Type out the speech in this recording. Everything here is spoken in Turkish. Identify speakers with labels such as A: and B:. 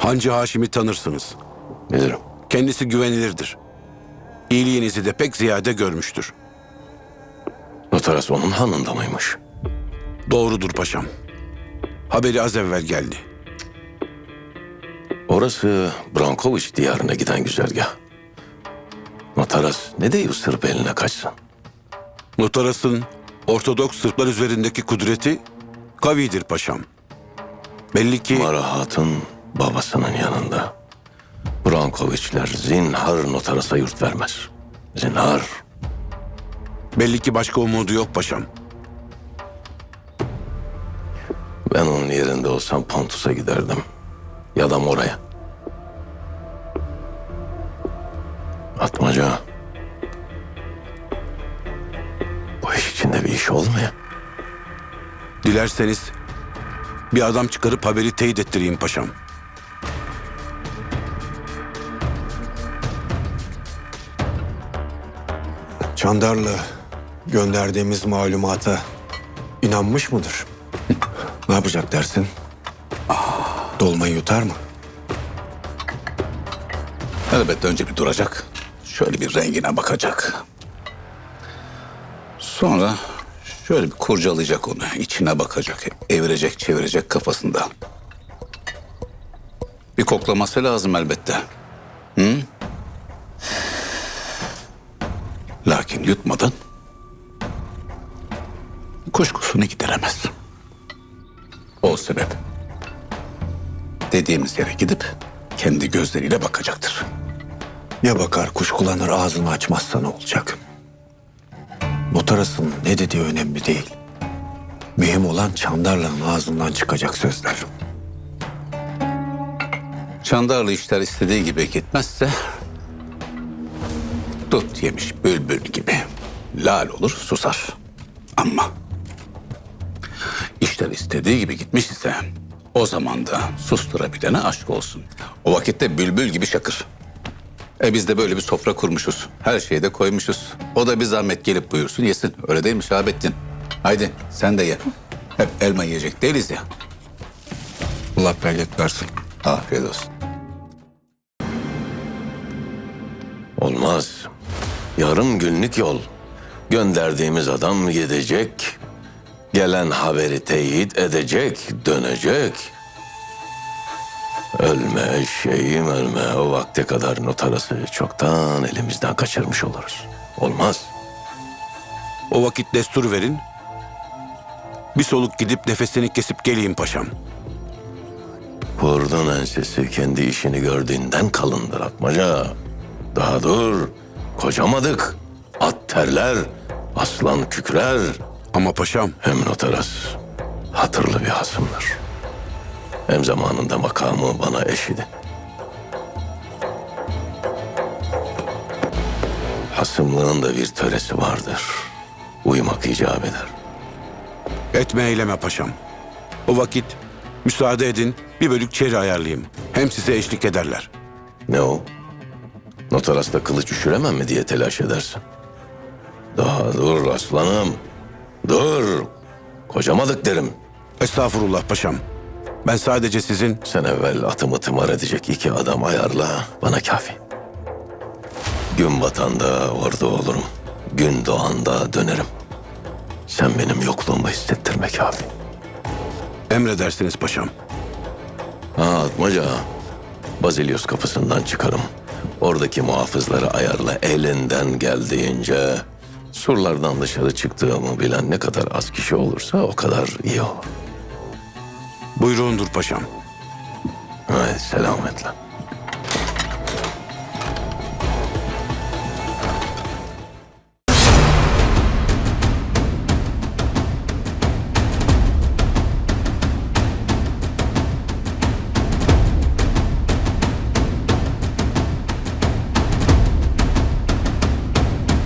A: Hancı Haşim'i tanırsınız.
B: Bilirim.
A: Kendisi güvenilirdir. İyiliğinizi de pek ziyade görmüştür.
B: Notaras onun hanında mıymış?
A: Doğrudur paşam. Haberi az evvel geldi.
B: Orası Brankoviç diyarına giden güzergah. Notaras ne deyiyor Sırp eline kaçsın?
A: Notaras'ın Ortodoks Sırplar üzerindeki kudreti kavidir paşam. Belli ki
B: Mara Hatun babasının yanında. Brankoviçler zinhar Notaras'a yurt vermez. Zinhar.
A: başka umudu yok paşam.
B: Ben onun yerinde olsam Pontus'a giderdim. Ya da Mora'ya. Atmaca. Bu iş içinde bir iş olmuyor.
A: Dilerseniz bir adam çıkarıp haberi teyit ettireyim paşam.
C: Çandarlı gönderdiğimiz malumata inanmış mıdır? Ne yapacak dersin? Dolmayı yutar mı?
D: Elbette önce bir duracak. Şöyle bir rengine bakacak. Sonra şöyle bir kurcalayacak onu. İçine bakacak. Evirecek, çevirecek kafasında. Bir koklaması lazım elbette. Hı? Lakin yutmadan kuşkusunu gideremez. O sebep dediğimiz yere gidip kendi gözleriyle bakacaktır.
C: Ya bakar kuşkulanır ağzını açmazsa ne olacak? Notaras'ın ne dediği önemli değil. Mühim olan Çandarlı'nın ağzından çıkacak sözler.
D: Çandarlı işler istediği gibi gitmezse dut yemiş bülbül gibi lal olur susar. Ama işler istediği gibi gitmiş ise o zaman da susturabilene aşk olsun. O vakitte bülbül gibi şakır. Biz de böyle bir sofra kurmuşuz. Her şeyi de koymuşuz. O da bir zahmet gelip buyursun yesin. Öyle değil mi Şahabettin? Haydi sen de ye. Hep elma yiyecek değiliz ya.
C: Allah bereket versin.
D: Afiyet olsun.
B: Olmaz. Yarım günlük yol. Gönderdiğimiz adam gidecek. Gelen haberi teyit edecek, dönecek. Ölme eşeğim ölme. O vakte kadar Notaras'ı çoktan elimizden kaçırmış oluruz. Olmaz.
A: O vakit destur verin. Bir soluk gidip nefesini kesip geleyim paşam.
B: Kurdun ensesi kendi işini gördüğünden kalındır Atmaca. Daha dur. Kocamadık. At terler. Aslan kükrer.
A: Ama paşam
B: Hem Notaras hatırlı bir hasımdır. Hem zamanında makamı bana eşidi. Hasımlığın da bir töresi vardır. Uymak icap eder.
A: etme eyleme paşam. O vakit müsaade edin bir bölük çeri ayarlayayım. Hem size eşlik ederler.
B: Ne o? Notaras'ta kılıç üşüremem mi diye telaş edersin. Daha dur aslanım. Dur. Kocamadık derim.
A: Estağfurullah paşam. Ben sadece sizin
B: Sen evvel atımı tımar edecek 2 adam ayarla. Bana kafi. Gün batanda orada olurum. Gün doğanda dönerim. Sen benim yokluğumu hissettirme kafi.
A: emredersiniz paşam.
B: Ha Atmaca. Bazilios kapısından çıkarım. Oradaki muhafızları ayarla elinden geldiğince. Surlardan dışarı çıktığımı bilen ne kadar az kişi olursa o kadar iyi olur.
A: Buyruğundur paşam.
B: Haydi selametle.